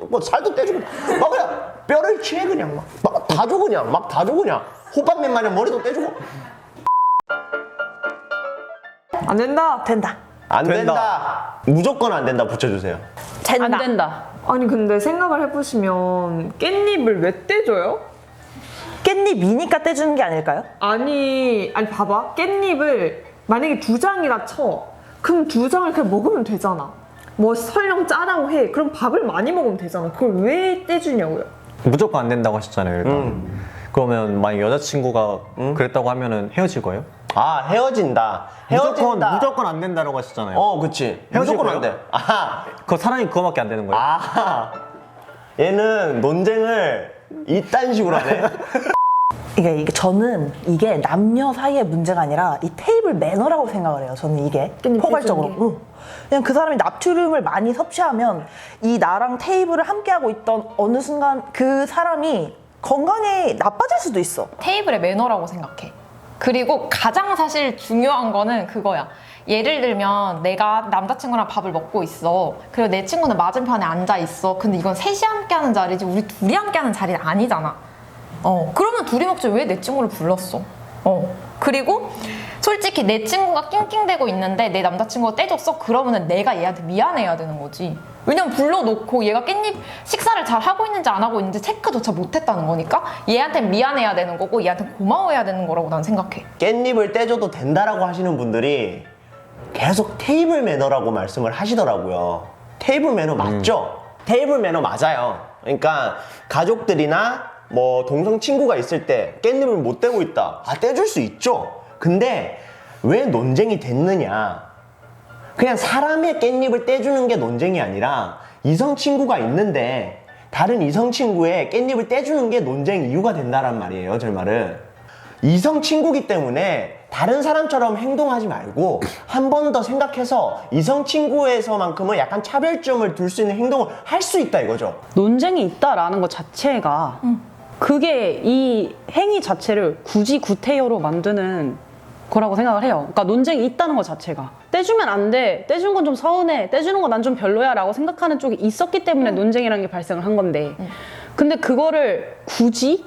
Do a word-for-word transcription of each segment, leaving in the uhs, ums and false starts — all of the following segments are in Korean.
뭐 살도 떼주고 막 그냥 뼈를 취해 그냥 막 다 줘 그냥 막 다 줘 그냥 호빵맨 마냥 머리도 떼주고. 안 된다. 된다. 안 된다. 된다. 무조건 안 된다 붙여주세요. 된다. 안 된다. 아니 근데 생각을 해보시면 깻잎을 왜 떼줘요? 깻잎이니까 떼주는 게 아닐까요? 아니 아니 봐봐 깻잎을 만약에 두 장이라 쳐 그럼 두 장을 그냥 먹으면 되잖아. 뭐 설령 짜다고 해 그럼 밥을 많이 먹으면 되잖아. 그걸 왜 떼주냐고요? 무조건 안 된다고 하셨잖아요, 일단. 음. 그러면 만약 여자친구가 음? 그랬다고 하면은 헤어질 거예요? 아 헤어진다. 헤어진다. 무조건, 무조건 안 된다고 하셨잖아요. 어 그치. 헤어질 무조건 안 거예요? 돼. 아하. 그 사람이 그거밖에 안 되는 거예요? 아 얘는 논쟁을 이딴 식으로 하네. 이게, 이게 저는 이게 남녀 사이의 문제가 아니라 이 테이블 매너라고 생각을 해요. 저는 이게 깻잎 포괄적으로. 떼주는 게? 응. 그냥 그 사람이 나트륨을 많이 섭취하면 이 나랑 테이블을 함께 하고 있던 어느 순간 그 사람이 건강이 나빠질 수도 있어. 테이블의 매너라고 생각해. 그리고 가장 사실 중요한 거는 그거야. 예를 들면 내가 남자친구랑 밥을 먹고 있어. 그리고 내 친구는 맞은편에 앉아 있어. 근데 이건 셋이 함께 하는 자리지 우리 둘이 함께 하는 자리는 아니잖아. 어, 그러면 둘이 먹지 왜 내 친구를 불렀어? 어. 그리고 솔직히 내 친구가 낑낑대고 있는데 내 남자친구가 떼줬어? 그러면은 내가 얘한테 미안해야 되는 거지. 왜냐면 불러놓고 얘가 깻잎 식사를 잘 하고 있는지 안 하고 있는지 체크조차 못했다는 거니까 얘한테 미안해야 되는 거고 얘한테 고마워해야 되는 거라고 난 생각해. 깻잎을 떼줘도 된다라고 하시는 분들이 계속 테이블 매너라고 말씀을 하시더라고요. 테이블 매너 맞죠? 테이블 매너 맞아요. 그러니까 가족들이나 뭐 동성 친구가 있을 때 깻잎을 못 떼고 있다. 아 떼줄 수 있죠. 근데 왜 논쟁이 됐느냐? 그냥 사람의 깻잎을 떼주는 게 논쟁이 아니라 이성 친구가 있는데 다른 이성 친구의 깻잎을 떼주는 게 논쟁 이유가 된다란 말이에요. 제 말은 이성 친구기 때문에 다른 사람처럼 행동하지 말고 한 번 더 생각해서 이성 친구에서만큼은 약간 차별점을 둘 수 있는 행동을 할 수 있다 이거죠. 논쟁이 있다라는 것 자체가 그게 이 행위 자체를 굳이 구태여로 만드는 거라고 생각을 해요. 그러니까 논쟁이 있다는 것 자체가 떼주면 안 돼, 떼준 건 좀 서운해, 떼주는 건 난 좀 별로야 라고 생각하는 쪽이 있었기 때문에 논쟁이라는 게 발생을 한 건데 근데 그거를 굳이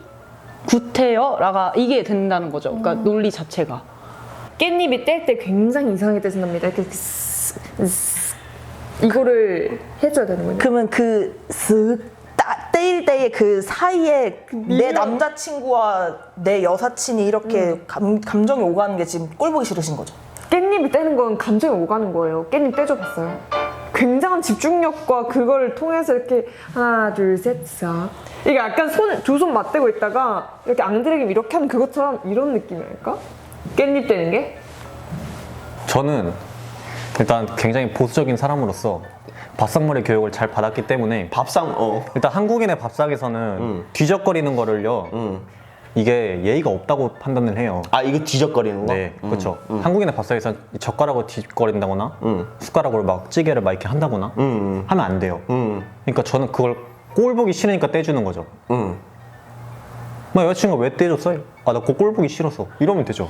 구태여라가 이게 된다는 거죠. 그러니까 논리 자체가 깻잎이 뗄 때 굉장히 이상하게 떼진답니다. 이렇게 스, 스, 이거를 해줘야 되는 거예요. 그러면 그 쓱 떼일 때의 그 사이에 내 남자친구와 내 여사친이 이렇게 감, 감정이 오가는 게 지금 꼴 보기 싫으신 거죠? 깻잎을 떼는 건 감정이 오가는 거예요. 깻잎 떼줘봤어요. 굉장한 집중력과 그걸 통해서 이렇게 하나 둘셋 싹 이게 약간 손 두 손 맞대고 있다가 이렇게 앙드레김 이렇게 하는 그것처럼 이런 느낌이랄까? 깻잎 떼는 게? 저는 일단 굉장히 보수적인 사람으로서 밥상머리 교육을 잘 받았기 때문에 밥상 어. 일단 한국인의 밥상에서는 음. 뒤적거리는 거를요 음. 이게 예의가 없다고 판단을 해요. 아 이거 뒤적거리는 거? 네, 음. 그렇죠. 음. 한국인의 밥상에서 젓가락으로 뒤적거린다거나 음. 숟가락으로 막 찌개를 막 이렇게 한다거나 음. 하면 안 돼요. 음. 그러니까 저는 그걸 꼴 보기 싫으니까 떼주는 거죠. 음. 뭐 여자친구가 왜 떼줬어요? 아 나 그 꼴 보기 싫어서 이러면 되죠.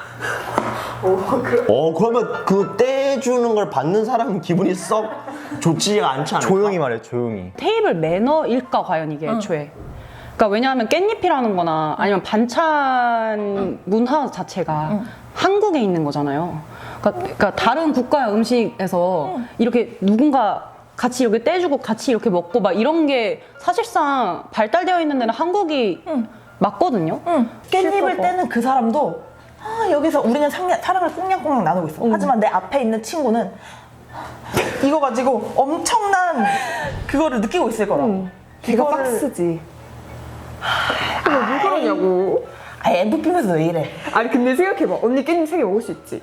어 그러면 그 떼주는 걸 받는 사람은 기분이 썩 좋지가 않지 않을까? 조용히 말해, 조용히. 테이블 매너일까 과연 이게 애초에 그러니까 왜냐하면 깻잎이라는 거나 아니면 반찬 문화 자체가 한국에 있는 거잖아요. 그러니까, 그러니까 다른 국가의 음식에서 이렇게 누군가 같이 이렇게 떼주고 같이 이렇게 먹고 막 이런 게 사실상 발달되어 있는 데는 한국이 맞거든요. 깻잎을 떼는 그 사람도 아, 여기서 우리는 상냥, 사랑을 꽁냥꽁냥 나누고 있어. 하지만 내 앞에 있는 친구는 이거 가지고 엄청난 그거를 느끼고 있을 거라고. 응. 걔가 이거를- 박스지. 근데 왜 그러냐고. 아, 엠프피면서 왜 이래? 아니 근데 생각해봐. 언니 깻잎 세 개 먹을 수 있지.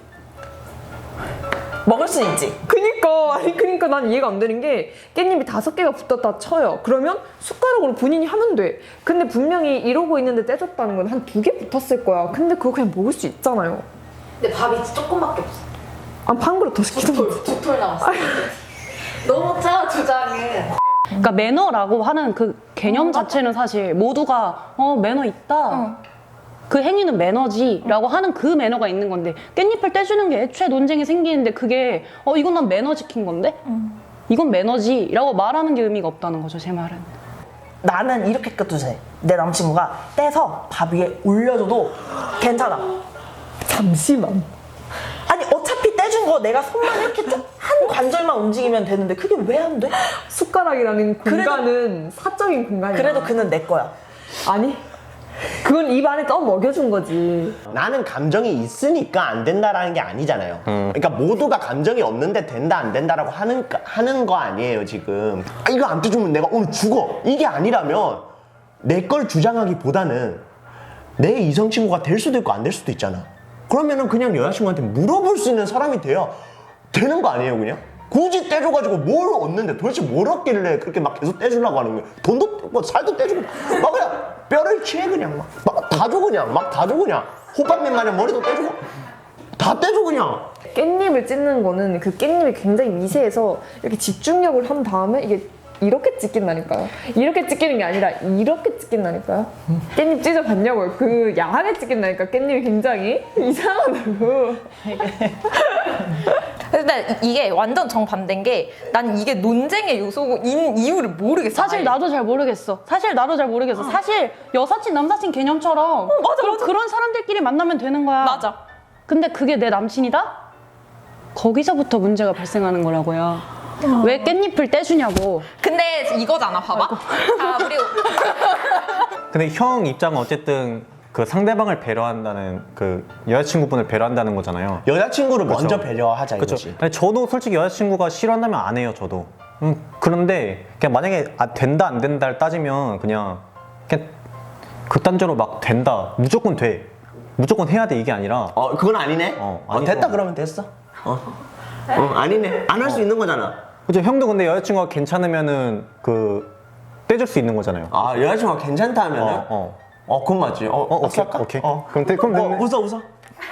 먹을 수 있지. 그니까 아니 그니까 난 이해가 안 되는 게 깻잎이 다섯 개가 붙었다 쳐요. 그러면 숟가락으로 본인이 하면 돼. 근데 분명히 이러고 있는데 떼줬다는 건 한 두 개 붙었을 거야. 근데 그거 그냥 먹을 수 있잖아요. 근데 밥이 조금밖에 없어. 아, 한 그릇 더 시키던 거지. 두 톨 나왔어. 너무 짜 주장은. 그러니까 매너라고 하는 그 개념 자체는 사실 모두가 어 매너 있다. 그 행위는 매너지라고 하는 그 매너가 있는 건데 깻잎을 떼주는 게 애초에 논쟁이 생기는데 그게 어 이건 난 매너 지킨 건데 이건 매너지라고 말하는 게 의미가 없다는 거죠, 제 말은. 나는 이렇게 껴도 돼. 내 남친구가 떼서 밥 위에 올려줘도 괜찮아. 잠시만. 아니 어차피 떼준 거 내가 손만 이렇게 쭉 한 관절만 움직이면 되는데 그게 왜 안 돼? 숟가락이라는 공간은 사적인 공간이야. 그래도 그는 내 거야. 아니 그건 입 안에 떠 먹여준 거지. 나는 감정이 있으니까 안 된다라는 게 아니잖아요. 그러니까 모두가 감정이 없는데 된다 안 된다라고 하는 하는 거 아니에요 지금. 아, 이거 안 떼주면 내가 오늘 죽어. 이게 아니라면 내 걸 주장하기보다는 내 이성 친구가 될 수도 있고 안 될 수도 있잖아. 그러면은 그냥 여자친구한테 물어볼 수 있는 사람이 돼야 되는 거 아니에요 그냥? 굳이 떼줘가지고 뭘 얻는데 도대체 뭘 얻길래 그렇게 막 계속 떼주려고 하는 거야? 돈도 뭐 살도 떼주고 막 그냥 뼈를 치해 그냥 막 다 줘 그냥 막 다 줘 그냥 호빵맨 마냥 머리도 떼주고 다 떼줘 그냥. 깻잎을 찢는 거는 그 깻잎이 굉장히 미세해서 이렇게 집중력을 한 다음에 이게 이렇게 찢긴다니까요. 이렇게 찢기는 게 아니라 이렇게 찢긴다니까요. 깻잎 찢어봤냐고요. 그 야하게 찢긴다니까 깻잎이 굉장히 이상하다고. 근데 이게 완전 정반대인 게 난 이게 논쟁의 요소고 인 이유를 모르겠어. 사실 아예. 나도 잘 모르겠어. 사실 나도 잘 모르겠어. 사실 여사친 남사친 개념처럼 맞아, 그럼 맞아. 그런 사람들끼리 만나면 되는 거야. 맞아. 근데 그게 내 남친이다? 거기서부터 문제가 발생하는 거라고요. 왜 깻잎을 떼주냐고. 근데 이거잖아, 봐봐. 아, 우리 근데 형 입장은 어쨌든 그 상대방을 배려한다는 그 여자친구분을 배려한다는 거잖아요. 여자친구를 그쵸. 먼저 배려하자 그렇죠. 이거지. 아니, 저도 솔직히 여자친구가 싫어한다면 안 해요, 저도. 음, 그런데 그냥 만약에 아, 된다 안 된다를 따지면 그냥 그냥 극단적으로 막 된다, 무조건 돼, 무조건 해야 돼 이게 아니라 어 그건 아니네. 어, 어, 아니고. 됐다 그러면 됐어. 어, 어 아니네. 안 할 수 있는 거잖아. 그죠? 형도 근데 여자친구가 괜찮으면은 그 떼줄 수 있는 거잖아요. 아 여자친구가 괜찮다 하면은. 어, 어. 어, 그건 맞지. 어, 어, 악수 오케이, 할까? 오케이. 어. 그럼 돼, 그럼 어, 됐네. 웃어, 웃어.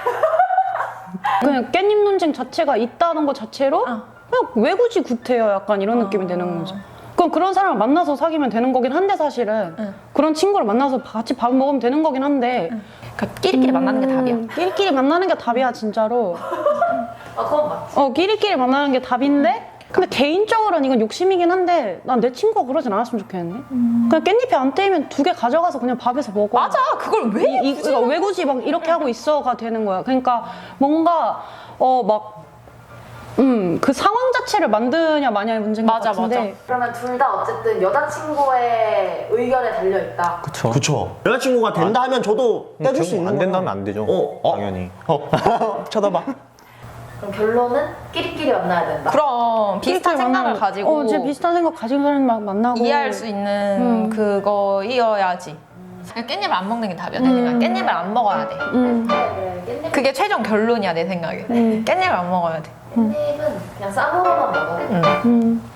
그냥 깻잎 논쟁 자체가 있다는 것 자체로 어. 그냥 왜 굳이 구태여 약간 이런 느낌이 되는 거죠. 그럼 그런 사람을 만나서 사귀면 되는 거긴 한데 사실은 응. 그런 친구를 만나서 같이 밥 먹으면 되는 거긴 한데 그러니까 끼리끼리 만나는 게 답이야. 음, 끼리끼리 만나는 게 답이야 진짜로. 아 그건 맞지. 어 끼리끼리 만나는 게 답인데 근데 개인적으로는 이건 욕심이긴 한데 난 내 친구가 그러진 않았으면 좋겠는데 그냥 깻잎이 안 떼이면 두 개 가져가서 그냥 밥에서 먹어. 맞아. 그걸 왜 이, 이, 굳이 그러니까 왜 굳이 막 이렇게 하고 있어가 되는 거야. 그러니까 뭔가 어 막 음 그 상황 자체를 만드냐 마냐의 문제인 것 맞아, 같은데 맞아. 그러면 둘 다 어쨌든 여자친구의 의견에 달려 있다. 그쵸. 그쵸. 여자친구가 된다 하면 저도 음, 떼줄 수 안 있는 거야. 된다면 안 되죠. 어, 어. 당연히. 어. 쳐다봐. 그럼 결론은 끼리끼리 만나야 된다. 그럼 비슷한 끼리끼리 생각을 만나면- 가지고 어, 제 비슷한 생각 가진 사람 막 만나고 이해할 수 있는 음. 그거이어야지. 깻잎을 안 먹는 게 답이야. 내 생각에. 깻잎을 안 먹어야 돼. 음. 네, 네. 깻잎, 그게 최종 결론이야 내 생각에. 깻잎을 안 먹어야 돼. 깻잎은 그냥 쌈으로만 먹어. 응. 음.